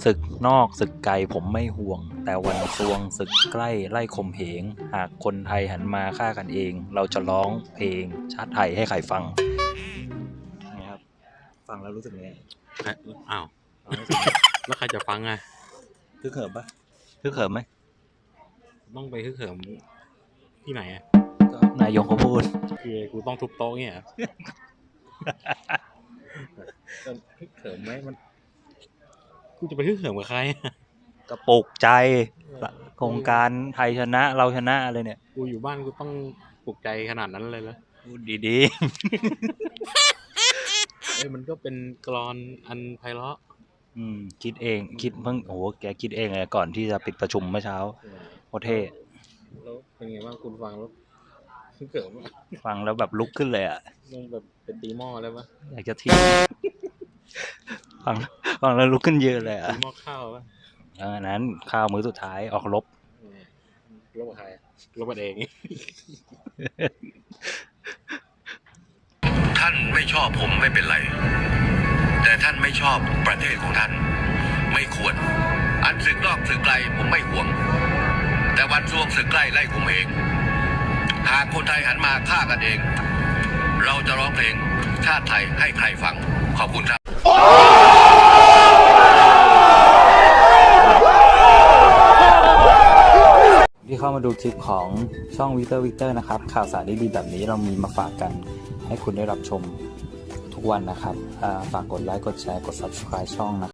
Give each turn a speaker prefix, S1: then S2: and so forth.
S1: ศึกนอกศึกไกลผมไม่ห่วงแต่วันซวงศึกใกล้ไล่ข่มเหงหากคนไทยหันมาฆ่ากันเองเราจะร้องเพลงชาติไทยให้ใครฟังนี่ครับฟังแล้วรู้สึกไง
S2: อ้าวแล้วใครจะฟังอ่ะ
S1: ฮึกเหิมปะฮึกเหิมไหม
S2: ต้องไปฮึกเหิมที่ไหนอ่ะ
S1: ก็นายกเขาพูด
S2: คือกูต้องทุบโต๊ะเนี่ยฮึกเหิมไหมมันกูจะไปฮึกเหิมกับใคร
S1: กระปุกใจโครงการไทยชนะเราชนะอะไรเนี่ย
S2: กูอยู่บ้านกูต้องปลุกใจขนาดนั้นเลยเหรอ
S1: พูดดี
S2: ๆมันก็เป็นกลอนอันไพเราะ
S1: คิดเองคิดเพิ่งโหแกคิดเองเลยก่อนที่จะปิดประชุมเมื่อเช้าโคตรเท่
S2: แล้วเป็นไงบ้างคุณฟังแล้วฮึกเหิม
S1: ฟังแล้วแบบลุกขึ้นเลยอ่ะ
S2: แบบเป็นตีหม้อเลยปะ
S1: อยากจะทิ้งฟังแล้วลุกขึ้นเยอะเลยอ่ะ
S2: ตีหม้อข้าวปะ
S1: นั้นข้าวมื้อสุดท้ายออกรบ
S2: กับใครรบกันเอง
S3: ท่านไม่ชอบผมไม่เป็นไรแต่ท่านไม่ชอบประเทศของท่านไม่ควรอันศึกนอกศึกไกลผมไม่ห่วงแต่วันซวงศึกใกล้ไล่ข่มเหงหากคนไทยหันมาฆ่ากันเองเราจะร้องเพลงชาติไทยให้ใครฟังขอบคุณครับ
S1: ที่เข้ามาดูคลิปของช่องวิกเตอร์นะครับข่าวสารดีๆแบบนี้เรามีมาฝากกันให้คุณได้รับชมทุกวันนะครับฝากกดไลค์กดแชร์กด Subscribe ช่องนะ